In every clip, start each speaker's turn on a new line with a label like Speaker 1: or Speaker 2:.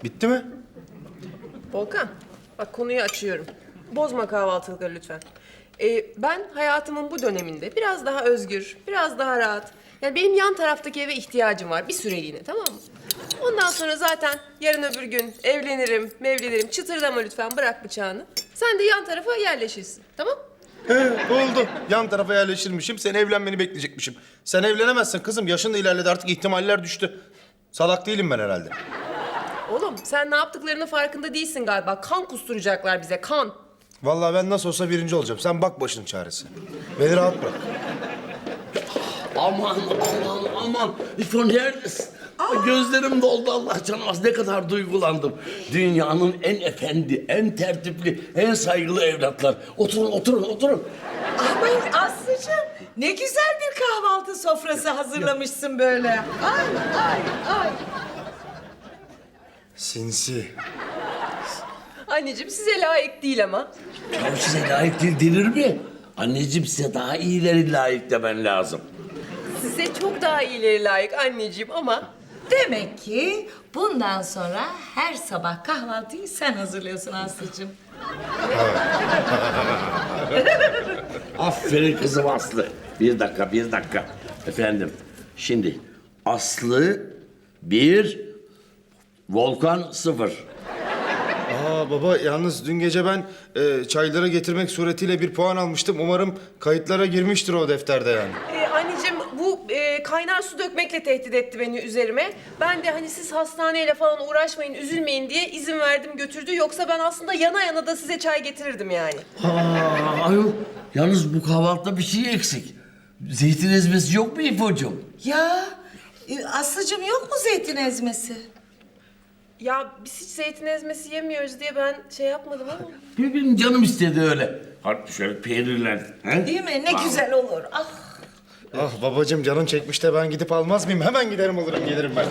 Speaker 1: Bitti mi?
Speaker 2: Volkan, bak konuyu açıyorum. Bozma kahvaltılıkları lütfen. Ben hayatımın bu döneminde biraz daha özgür, biraz daha rahat. Yani benim yan taraftaki eve ihtiyacım var bir süreliğine, tamam mı? Ondan sonra zaten yarın öbür gün evlenirim. Çıtırdama lütfen, bırak bıçağını. Sen de yan tarafa yerleşirsin, tamam?
Speaker 1: Oldu. Yan tarafa yerleşirmişim. Sen evlenmeni bekleyecekmişim. Sen evlenemezsin kızım. Yaşın da ilerledi artık ihtimaller düştü. Salak değilim ben herhalde.
Speaker 2: Oğlum sen ne yaptıklarının farkında değilsin galiba. Kan kusturacaklar bize, kan.
Speaker 1: Vallahi ben nasıl olsa birinci olacağım. Sen bak başının çaresi. Beni rahat bırak.
Speaker 3: Aman. İfo neredesin? Gözlerim doldu Allah canımız. Ne kadar duygulandım. Dünyanın en efendi, en tertipli, en saygılı evlatlar. Oturun.
Speaker 4: Aman Aslı'cığım ne güzel bir kahvaltı sofrası hazırlamışsın böyle. Ay.
Speaker 1: Sinsi.
Speaker 2: Anneciğim size layık değil ama.
Speaker 3: Ya size layık değil denir mi? Anneciğim size daha iyileri layık demen lazım.
Speaker 2: Size çok daha iyileri layık anneciğim ama...
Speaker 4: Demek ki bundan sonra her sabah kahvaltıyı sen hazırlıyorsun Aslı'cığım.
Speaker 3: Aferin kızım Aslı. Bir dakika. Efendim, şimdi Aslı 1, Volkan 0.
Speaker 1: Aa baba yalnız dün gece ben çayları getirmek suretiyle bir puan almıştım. Umarım kayıtlara girmiştir o defterde yani.
Speaker 2: Anneciğim bu kaynar su dökmekle tehdit etti beni üzerime. Ben de hani siz hastaneyle falan uğraşmayın, üzülmeyin diye izin verdim götürdü. Yoksa ben aslında yana yana da size çay getirirdim yani.
Speaker 3: Ayol, yalnız bu kahvaltıda bir şey eksik. Zeytin ezmesi yok mu İfo'cum?
Speaker 4: Ya Aslı'cığım yok mu zeytin ezmesi?
Speaker 2: Ya biz hiç zeytin ezmesi yemiyoruz diye ben şey yapmadım ama.
Speaker 3: Benim canım istedi öyle. Hadi şöyle peynirler. He?
Speaker 4: Değil mi? Ne güzel olur. Ah.
Speaker 1: Ah babacığım canın çekmiş de ben gidip almaz mıyım? Hemen giderim alırım gelirim ben.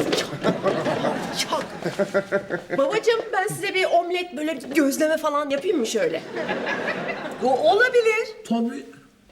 Speaker 2: Babacığım ben size bir omlet böyle bir gözleme falan yapayım mı şöyle?
Speaker 4: Bu olabilir.
Speaker 3: Tabii.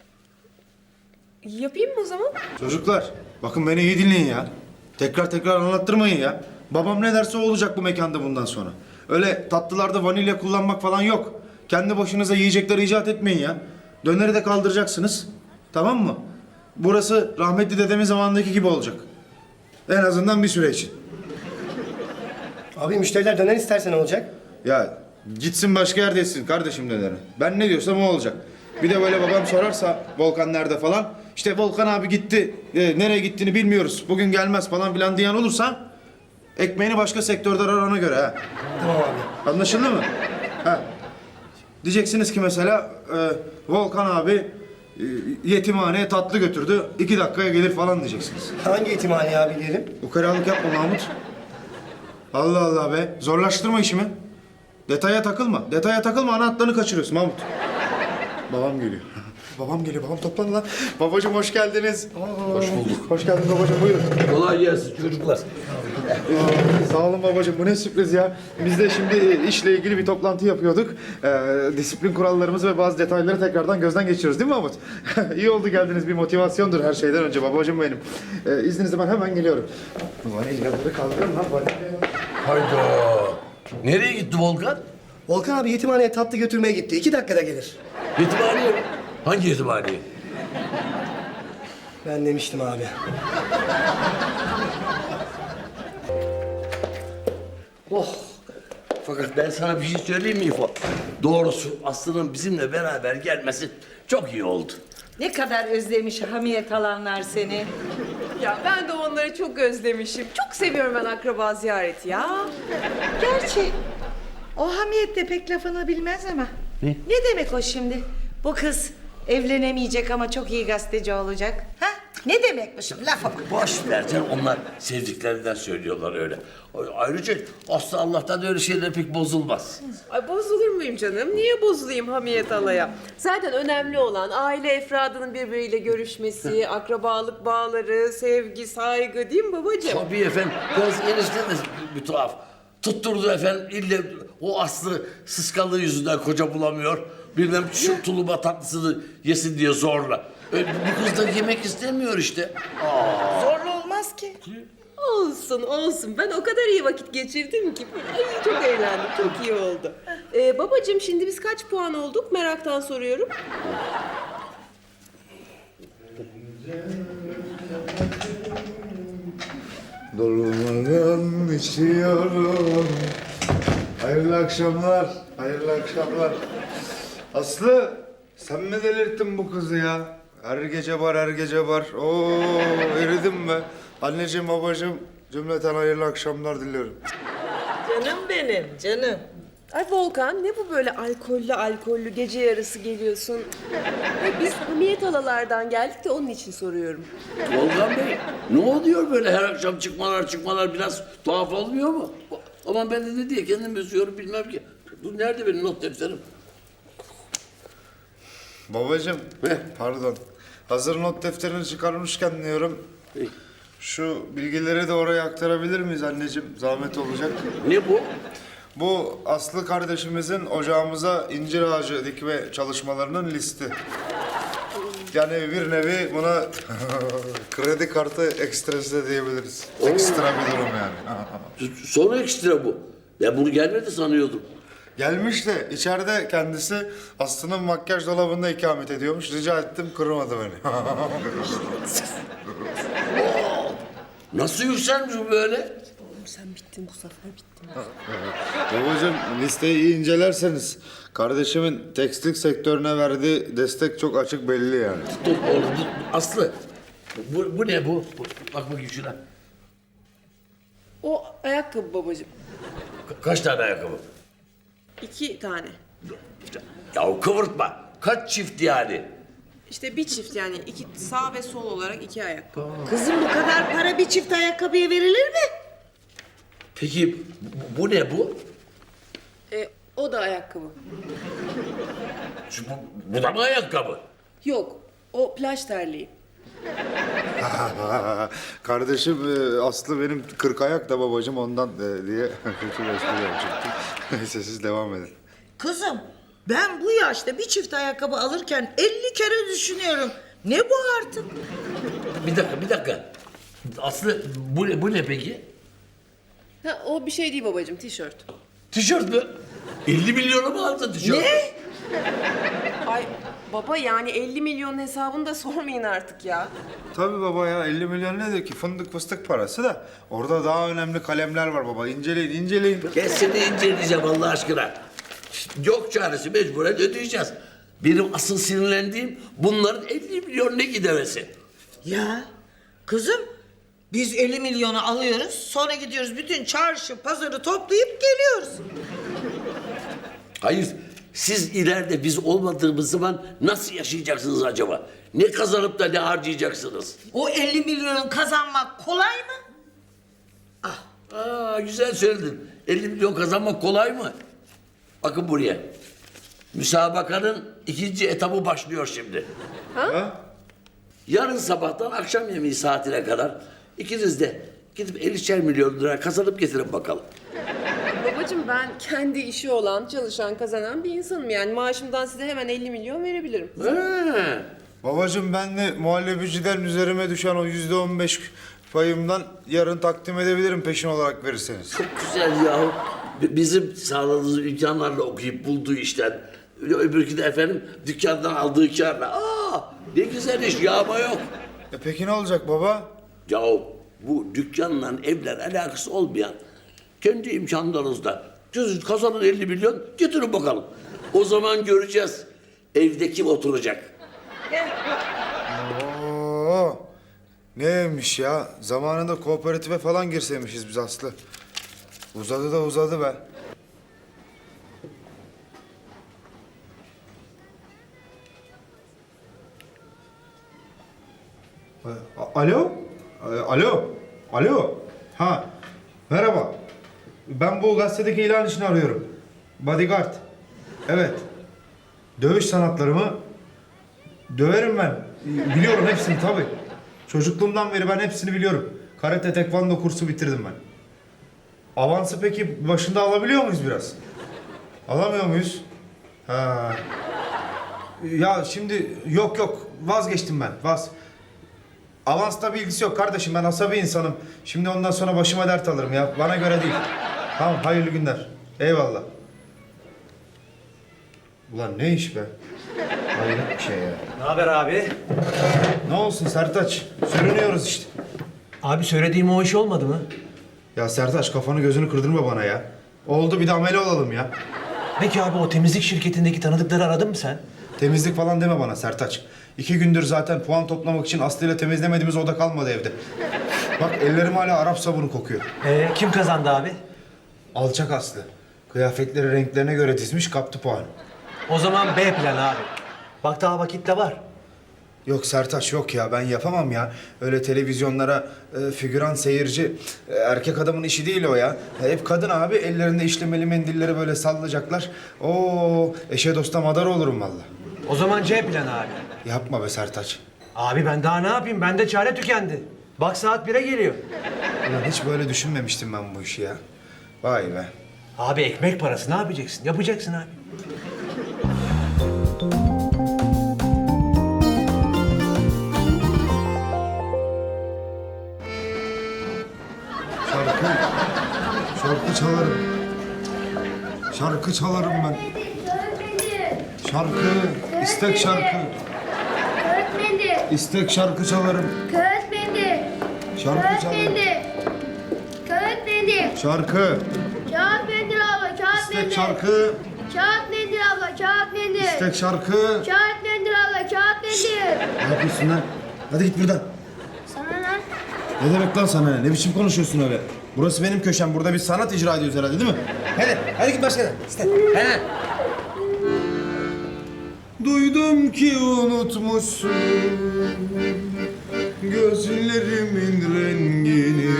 Speaker 2: Yapayım mı o zaman?
Speaker 1: Çocuklar bakın beni iyi dinleyin ya. Tekrar anlattırmayın ya. Babam ne derse o olacak bu mekanda bundan sonra. Öyle tatlılarda vanilya kullanmak falan yok. Kendi başınıza yiyecekler icat etmeyin ya. Döneri de kaldıracaksınız. Tamam mı? Burası rahmetli dedemin zamanındaki gibi olacak. En azından bir süre için.
Speaker 5: Abi müşteriler döner isterse ne olacak?
Speaker 1: Ya gitsin başka yerde yesin kardeşim döneri. Ben ne diyorsam o olacak. Bir de böyle babam sorarsa Volkan nerede falan. İşte Volkan abi gitti. Nereye gittiğini bilmiyoruz. Bugün gelmez falan filan diyen olursa ekmeğini başka sektörde arar ona göre ha.
Speaker 5: Tamam abi.
Speaker 1: Anlaşıldı mı? Ha. Diyeceksiniz ki mesela Volkan abi yetimhaneye tatlı götürdü. 2 dakikaya gelir falan diyeceksiniz.
Speaker 5: Hangi yetimhane abi diyelim?
Speaker 1: Ukalalık yapma Mahmut. Allah Allah be. Zorlaştırma işimi. Detaya takılma ana hatlarını kaçırıyorsun Mahmut. Babam geliyor. Babam geliyor. Babam toplanın lan. Babacığım hoş geldiniz.
Speaker 3: Hoş bulduk.
Speaker 1: Hoş geldin babacığım buyurun.
Speaker 3: Kolay gelsin çocuklar.
Speaker 1: Sağ olun babacığım bu ne sürpriz ya. Biz de şimdi işle ilgili bir toplantı yapıyorduk. Disiplin kurallarımızı ve bazı detayları tekrardan gözden geçiriyoruz değil mi Mahmut? İyi oldu geldiniz bir motivasyondur her şeyden önce babacığım benim. İzninizle ben hemen geliyorum. Vanilyaları kaldırın lan vanilyaları.
Speaker 3: Hayda. Nereye gitti Volkan?
Speaker 5: Volkan abi yetimhaneye tatlı götürmeye gitti. 2 dakikada gelir.
Speaker 3: Yetimhaneye mi? Hangi yetimhaneye?
Speaker 5: Ben demiştim abi.
Speaker 3: Oh. Fakat ben sana bir şey söyleyeyim mi İfo? Doğrusu Aslı'nın bizimle beraber gelmesi çok iyi oldu.
Speaker 4: Ne kadar özlemiş hamiyet alanlar seni.
Speaker 2: Ya ben de onları çok özlemişim. Çok seviyorum ben akraba ziyareti ya.
Speaker 4: Gerçi o hamiyet de pek lafını bilmez ama. Ne demek o şimdi? Bu kız evlenemeyecek ama çok iyi gazeteci olacak. Ha? Ne demek bu şimdi? Lafa bak.
Speaker 3: Boş ver canım, onlar sevdiklerinden söylüyorlar öyle. Ayrıca Aslı Allah'tan öyle şeyler pek bozulmaz.
Speaker 2: Ay bozulur muyum canım? Niye bozulayım hamiyet alaya? Zaten önemli olan aile efradının birbiriyle görüşmesi, akrabalık bağları, sevgi, saygı değil mi babacığım?
Speaker 3: Tabii efendim. Kız enişte de bir tuhaf. Tutturdu efendim ille o Aslı sıskanlığı yüzünden koca bulamıyor. Bilmem şu tulumba tatlısını yesin diye zorla. Bu kız da yemek istemiyor işte.
Speaker 4: Zorlu olmaz ki.
Speaker 2: Olsun olsun. Ben o kadar iyi vakit geçirdim ki. Ay çok eğlendim. Çok iyi oldu. Babacığım şimdi biz kaç puan olduk? Meraktan soruyorum.
Speaker 1: Durmadan içiyorum. Hayırlı akşamlar, hayırlı akşamlar. Aslı, sen mi delirttin bu kızı ya? Her gece var, her gece var. Oo, eridim be. Anneciğim, babacığım, cümleten hayırlı akşamlar diliyorum.
Speaker 4: Canım benim, canım.
Speaker 2: Ay Volkan ne bu böyle alkollü gece yarısı geliyorsun? Ay, biz hamiyet alalardan geldik de onun için soruyorum.
Speaker 3: Volkan Bey, ne oluyor böyle her akşam çıkmalar biraz tuhaf olmuyor mu? Aman ben de ne diye kendimi üzüyorum bilmem ki. Bu nerede benim not defterim?
Speaker 1: Babacığım, pardon. Hazır not defterini çıkarmışken diyorum. Şu bilgileri de oraya aktarabilir miyiz anneciğim? Zahmet olacak.
Speaker 3: Ne bu?
Speaker 1: Bu Aslı kardeşimizin ocağımıza incir ağacı dikme çalışmalarının listi. Yani bir nevi buna kredi kartı ekstresi de diyebiliriz. Ekstra bir durum yani.
Speaker 3: Sonra ekstra bu. Ben bunu gelmedi sanıyordum.
Speaker 1: Gelmiş de içeride kendisi Aslı'nın makyaj dolabında ikamet ediyormuş. Rica ettim, kırmadı beni.
Speaker 3: Nasıl yükselmiş bu böyle?
Speaker 2: Oğlum sen bittin bu sefer bittin.
Speaker 1: Babacığım, listeyi iyi incelerseniz kardeşimin tekstil sektörüne verdiği destek çok açık belli yani.
Speaker 3: Dur oğlum dur. Aslı. Bu ne bu? Bak bakayım şuna.
Speaker 2: O ayakkabı babacığım.
Speaker 3: Kaç tane ayakkabı?
Speaker 2: 2 tane.
Speaker 3: Ya kıvırtma. Kaç çift yani?
Speaker 2: İşte bir çift yani iki sağ ve sol olarak 2 ayakkabı.
Speaker 4: Kızım bu kadar para bir çift ayakkabıya verilir mi?
Speaker 3: Peki bu ne bu?
Speaker 2: O da ayakkabı.
Speaker 3: Bu da mı ayakkabı?
Speaker 2: Yok o plaj terliği.
Speaker 1: Kardeşim Aslı benim 40 ayak da babacığım ondan diye kötü bir espri yapacaktım. Neyse siz devam edin.
Speaker 4: Kızım ben bu yaşta bir çift ayakkabı alırken 50 kere düşünüyorum. Ne bu artık?
Speaker 3: Bir dakika. Aslı bu ne peki?
Speaker 2: Ha, o bir şey değil babacığım tişört.
Speaker 3: Tişört mü? 50 milyona mı aldın tişört?
Speaker 4: Ne?
Speaker 2: Ay baba yani 50 milyonun hesabını da sormayın artık ya.
Speaker 1: Tabii baba ya, 50 milyon nedir ki? Fındık fıstık parası da. Orada daha önemli kalemler var baba. İnceleyin, inceleyin.
Speaker 3: Ben seni inceleyeceğim Allah aşkına. Yok çaresi mecburen ödeyeceğiz. Benim asıl sinirlendiğim bunların 50 milyon ne gidemesi.
Speaker 4: Ya kızım biz 50 milyonu alıyoruz sonra gidiyoruz bütün çarşı pazarı toplayıp geliyoruz.
Speaker 3: Hayır, siz ileride biz olmadığımız zaman nasıl yaşayacaksınız acaba? Ne kazanıp da ne harcayacaksınız?
Speaker 4: O 50 milyonu kazanmak kolay mı?
Speaker 3: Aa, güzel söyledin. 50 milyon kazanmak kolay mı? Bakın buraya. Müsabakanın 2. etabı başlıyor şimdi.
Speaker 1: Ha?
Speaker 3: Yarın sabahtan akşam yemeği saatine kadar ikiniz de gidip 50'şer milyon lira kazanıp getirin bakalım.
Speaker 2: Babacığım ben kendi işi olan, çalışan, kazanan bir insanım. Yani maaşımdan size hemen 50 milyon verebilirim.
Speaker 3: He.
Speaker 1: Babacığım ben de muhallebiciden üzerime düşen o %15 payımdan yarın takdim edebilirim peşin olarak verirseniz.
Speaker 3: Çok güzel yahu. Bizim sağladığımız imkanlarla okuyup bulduğu işten. Öbürkü de efendim dükkandan aldığı kârla. Aa, ne güzel iş, yağma yok.
Speaker 1: Peki ne olacak baba?
Speaker 3: Yahu bu dükkanla evler alakası olmayan kendi imkanlarınızla siz kazanın 50 milyon getirin bakalım. O zaman göreceğiz evde kim oturacak.
Speaker 1: Oo, neymiş ya? Zamanında kooperatife falan girseymişiz biz Aslı. Uzadı da uzadı be. Alo? Alo? Alo? Ha, merhaba. Ben bu gazetedeki ilan için arıyorum. Bodyguard. Evet. Dövüş sanatları mı? Döverim ben. Biliyorum hepsini tabii. Çocukluğumdan beri ben hepsini biliyorum. Karate, tekvando kursu bitirdim ben. Avansı peki başında alabiliyor muyuz biraz? Alamıyor muyuz? Ha. Ya şimdi yok vazgeçtim ben. Avansla bir ilgisi yok kardeşim. Ben asabi insanım. Şimdi ondan sonra başıma dert alırım ya. Bana göre değil. Tamam, hayırlı günler. Eyvallah. Ulan ne iş be? Hayret bir şey ya.
Speaker 6: Ne haber abi?
Speaker 1: Ne olsun Sertaç? Sürünüyoruz işte.
Speaker 6: Abi söylediğim o iş olmadı mı?
Speaker 1: Ya Sertaç, kafanı gözünü kırdırma bana ya. Oldu, bir de amele olalım ya.
Speaker 6: Peki abi o temizlik şirketindeki tanıdıkları aradın mı sen?
Speaker 1: Temizlik falan deme bana Sertaç. 2 gündür zaten puan toplamak için Aslı ile temizlemediğimiz oda kalmadı evde. Bak ellerim hala Arap sabunu kokuyor.
Speaker 6: Kim kazandı abi?
Speaker 1: Alçak Aslı. Kıyafetleri renklerine göre dizmiş, kaptı puanı.
Speaker 6: O zaman B planı abi. Bak daha vakit de var.
Speaker 1: Yok Sertaç, yok ya, ben yapamam ya. Öyle televizyonlara figüran seyirci, erkek adamın işi değil o ya. Hep kadın abi, ellerinde işlemeli mendilleri böyle sallayacaklar. Oo, eşe dosta madar olurum vallahi.
Speaker 6: O zaman C planı abi.
Speaker 1: Yapma be Sertaç.
Speaker 6: Abi ben daha ne yapayım? Bende çare tükendi. Bak saat 1'e geliyor.
Speaker 1: Ulan hiç böyle düşünmemiştim ben bu işi ya. Vay be.
Speaker 6: Abi ekmek parası ne yapacaksın? Yapacaksın abi.
Speaker 1: Şarkı çalarım. Şarkı çalarım ben. Şarkı, istek şarkı. İstek şarkı çalarım.
Speaker 7: Kağıt mendil.
Speaker 1: Şarkı
Speaker 7: Kağıt
Speaker 1: çalarım.
Speaker 7: mendil. Kağıt mendil.
Speaker 1: Şarkı,
Speaker 7: Kağıt mendil abla. Kağıt
Speaker 1: istek
Speaker 7: mendil.
Speaker 1: şarkı,
Speaker 7: Kağıt mendil abla. Kağıt mendil.
Speaker 1: istek şarkı.
Speaker 7: Kağıt mendil abla. Kağıt mendil.
Speaker 1: Ne yapıyorsun lan? Hadi git buradan.
Speaker 7: Sana ne?
Speaker 1: Ne demek lan sana ne? Ne biçim konuşuyorsun öyle? Burası benim köşem. Burada bir sanat icra ediyoruz herhalde değil mi? Hadi git başka yere. İste. He. Duydum ki unutmuşsun gözlerimin rengini.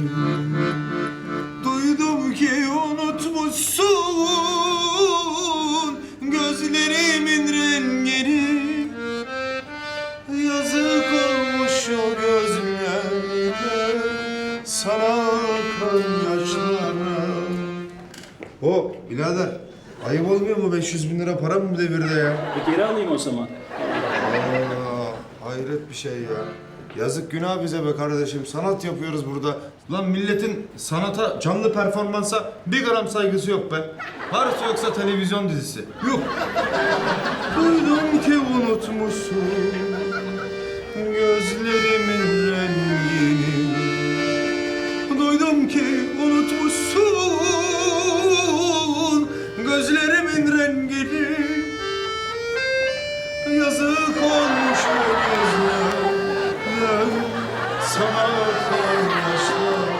Speaker 1: Duydum ki unutmuşsun gözlerimin rengini. Yazık olmuş o gözlere, sana akan yaşlara. O birader, ayıp olmuyor mu 500 bin lira para mı devirde ya?
Speaker 8: Geri alayım o zaman.
Speaker 1: Hayret bir şey ya. Yazık günah bize be kardeşim. Sanat yapıyoruz burada. Lan milletin sanata, canlı performansa bir gram saygısı yok be. Varsa yoksa televizyon dizisi. Yok. Duydum ki unutmuşsun gözlerimin rengini. Duydum ki unutmuşsun gözlerimin rengini. Yazık olmuş o gözler, sana akan yaşlar.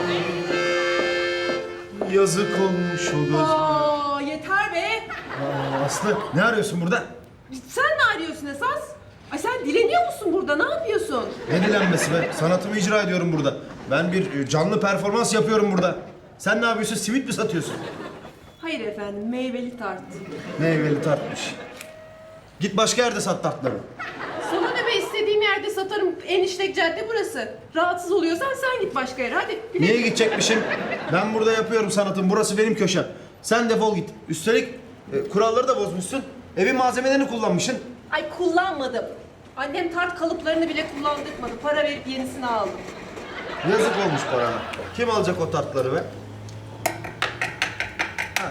Speaker 1: Yazık olmuş o gözler.
Speaker 2: Aa, yeter be.
Speaker 1: Aslı, ne arıyorsun burada?
Speaker 2: Sen ne arıyorsun esas? Ay sen dileniyor musun burada? Ne yapıyorsun?
Speaker 1: Ne dilenmesi be? Sanatımı icra ediyorum burada. Ben bir canlı performans yapıyorum burada. Sen ne yapıyorsun? Simit mi satıyorsun?
Speaker 2: Hayır efendim, meyveli tart.
Speaker 1: Meyveli tartmış. Git başka yerde sat tartları.
Speaker 2: Sana ne be, istediğim yerde satarım. En işlek cadde burası. Rahatsız oluyorsan sen git başka yere. Hadi. güle
Speaker 1: Niye
Speaker 2: güle.
Speaker 1: gidecekmişim? Ben burada yapıyorum sanatım. Burası benim köşem. Sen defol git. Üstelik kuralları da bozmuşsun. Evin malzemelerini kullanmışsın.
Speaker 2: Ay kullanmadım. Annem tart kalıplarını bile kullandırmadı. Para verip yenisini aldım.
Speaker 1: Yazık olmuş parana. Kim alacak o tartları be? Ha.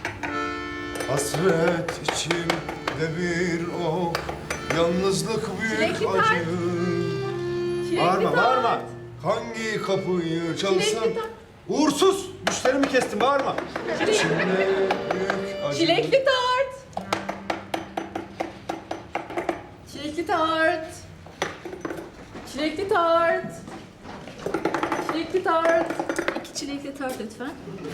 Speaker 1: Hasret içimde bir ok, yalnızlık büyük
Speaker 2: Çilekli tart.
Speaker 1: acı.
Speaker 2: Çilekli
Speaker 1: Bağırma,
Speaker 2: tart.
Speaker 1: bağırma. Hangi kapıyı çalsam?
Speaker 2: Çilekli tart.
Speaker 1: Uğursuz! Müşterimi kestim, bağırma. İçimde büyük acı.
Speaker 2: Çilekli tart. Çilekli tart. Çilekli tart. Çilekli tart.
Speaker 7: 2 çilekli tart lütfen.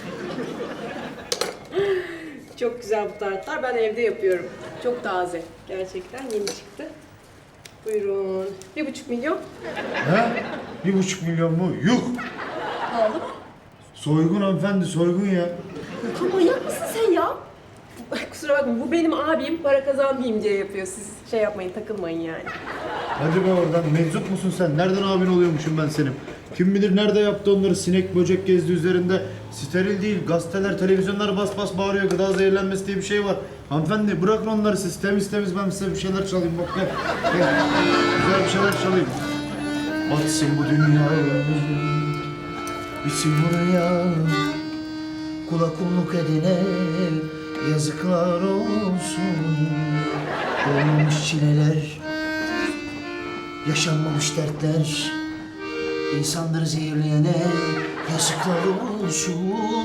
Speaker 2: Çok güzel bu tartlar. Ben evde yapıyorum. Çok taze. Gerçekten yeni çıktı. Buyurun. 1,5 milyon.
Speaker 1: He? 1,5 milyon mu? Yuh!
Speaker 2: Pahalı mı?
Speaker 1: Soygun hanımefendi, soygun ya.
Speaker 2: Ya manyak mısın sen ya? Kusura bakma, bu benim abim, para kazanmayayım diye yapıyor. Siz şey yapmayın, takılmayın yani.
Speaker 1: Hadi be oradan, meczup musun sen? Nereden abin oluyormuşum ben senin? Kim bilir nerede yaptı onları, sinek böcek gezdi üzerinde. Steril değil, gazeteler, televizyonlar bas bas bağırıyor, gıda zehirlenmesi diye bir şey var. Hanımefendi bırakın onları siz, temiz temiz ben size bir şeyler çalayım bak gel. Gel. Güzel bir şeyler çalayım. batsın bu dünya. Bitsin buraya. Kula kulluk edene yazıklar olsun. Olmamış çileler, yaşanmamış dertler, insanları zehirleyene yazıklar olsun.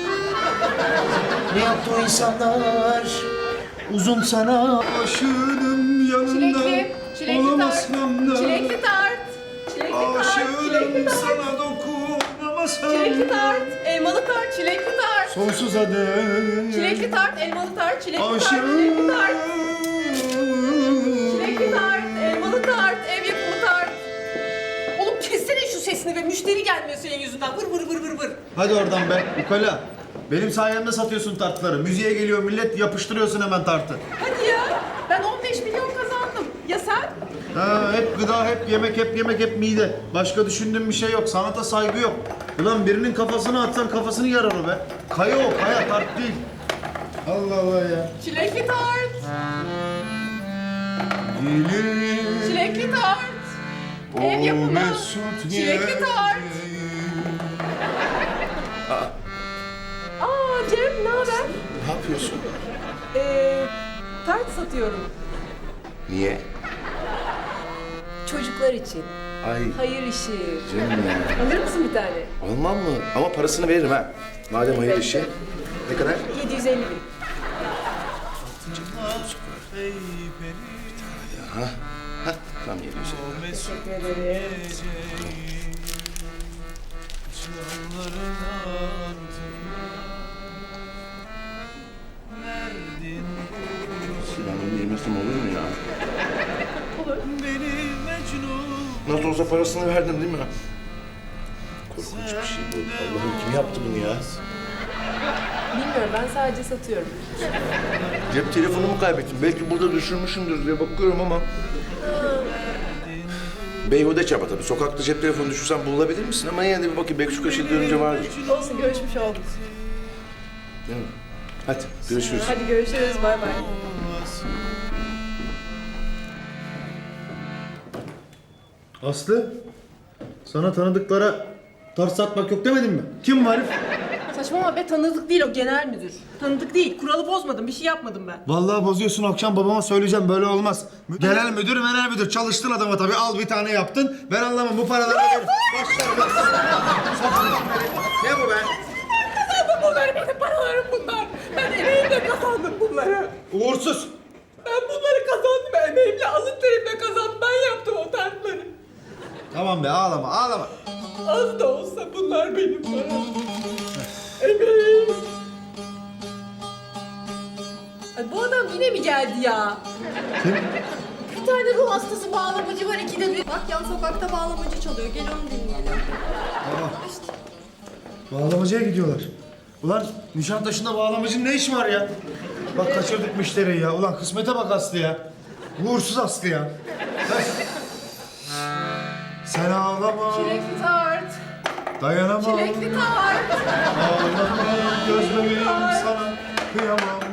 Speaker 1: Ne yaptı o insanlar? Uzun sana aşığım yanında.
Speaker 2: Çilekli
Speaker 1: olamasam da.
Speaker 2: Çilekli tart. Çilekli tart.
Speaker 1: Aşığım sana dokunamasam.
Speaker 2: Çilekli tart. Elmalı tart. Çilekli tart.
Speaker 1: Sonsuza dek.
Speaker 2: Çilekli tart. Elmalı tart. Çilekli tart.
Speaker 1: Aşığım.
Speaker 2: Çilekli tart. Çilekli tart. Elmalı tart. Ev yapımı tart. Oğlum kessene şu sesini be. Müşteri gelmiyor senin yüzünden. Vır vır vır vır vır.
Speaker 1: Hadi oradan be ukala. Benim sayemde satıyorsun tartları. Müziğe geliyor millet yapıştırıyorsun hemen tartı.
Speaker 2: Hadi ya. Ben 15 milyon kazandım. Ya sen?
Speaker 1: Ha, hep gıda, hep yemek, hep yemek, hep mide. Başka düşündüğüm bir şey yok. Sanata saygı yok. Ulan birinin kafasını atsan kafasını yarar o be. Kaya o, kaya tart değil. Allah Allah ya.
Speaker 2: Çilekli tart.
Speaker 1: Gelir.
Speaker 2: Çilekli tart. Ev yapımı. Çilekli tart. Aa Cem ne haber?
Speaker 8: Ne yapıyorsun?
Speaker 2: Tart satıyorum.
Speaker 8: Niye?
Speaker 2: Çocuklar için.
Speaker 8: Ay
Speaker 2: Hayır işi.
Speaker 8: canım ya.
Speaker 2: Alır mısın bir tane?
Speaker 8: Almam mı? Ama parasını veririm ha. Madem hayır işi. Ne kadar?
Speaker 2: 750 bin.
Speaker 8: Ha? Ha? Tam 750. Sinan'ın yemesem olur mu ya?
Speaker 2: Olur.
Speaker 8: Nasıl olsa parasını verdim değil mi? Korkunç bir şey bu. Allah'ım kim yaptı bunu ya?
Speaker 2: Bilmiyorum ben sadece satıyorum.
Speaker 8: Cep telefonumu kaybettim. Belki burada düşürmüşümdür diye bakıyorum ama... Beyhude çaba tabii. Sokakta cep telefonu düşürsen bulabilir misin? Ama yine de bir bakayım. Belki şu köşede dönünce vardır.
Speaker 2: Olsun görüşmüş olduk.
Speaker 8: Değil mi? Hadi görüşürüz.
Speaker 2: Hadi görüşürüz bay bay.
Speaker 1: Aslı, sana tanıdıklara tart satmak yok demedim mi? Kim var?
Speaker 2: Saçmalama be tanıdık değil o genel müdür. Tanıdık değil. Kuralı bozmadım. Bir şey yapmadım ben.
Speaker 1: Vallahi bozuyorsun, akşam babama söyleyeceğim, böyle olmaz. Genel müdür, çalıştın adama tabii, al bir tane yaptın. Ben anlamam, bu paraları da verin. Başlarım ben. Ne bu be?
Speaker 2: Kazandım bunları. Benim paralarım bunlar. Ben emeğimle kazandım bunları.
Speaker 1: Uğursuz.
Speaker 2: Ben bunları kazandım. Emeğimle alın terimle kazandım. Ben yaptım o tartları.
Speaker 1: Tamam be, ağlama, ağlama.
Speaker 2: Az da olsa bunlar benim param. Emeğim. Ay, bu adam yine mi geldi ya?
Speaker 1: Kim?
Speaker 2: Bir tane ruh hastası bağlamacı var, ikide bir.
Speaker 9: Bak yan sokakta bağlamacı çalıyor. Gel onu dinleyelim.
Speaker 1: Bağlamacıya gidiyorlar. Ulan Nişantaşı'nda bağlamacının ne işi var ya? Bak kaçırdık müşteriyi ya. Ulan kısmete bak Aslı ya. Uğursuz Aslı ya. Sen ağlama.
Speaker 2: Çilekli tart.
Speaker 1: Dayanamam.
Speaker 2: Çilekli tart.
Speaker 1: Ağlama gözlerim sana kıyamam.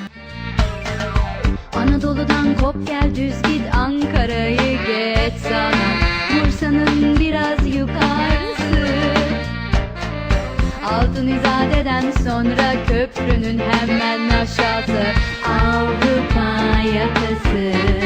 Speaker 10: Anadolu'dan kop gel düz git Ankara'yı geç sana Bursa'nın biraz yukarısı Altın İzade'den sonra köprünün hemen aşağısı Avrupa yakası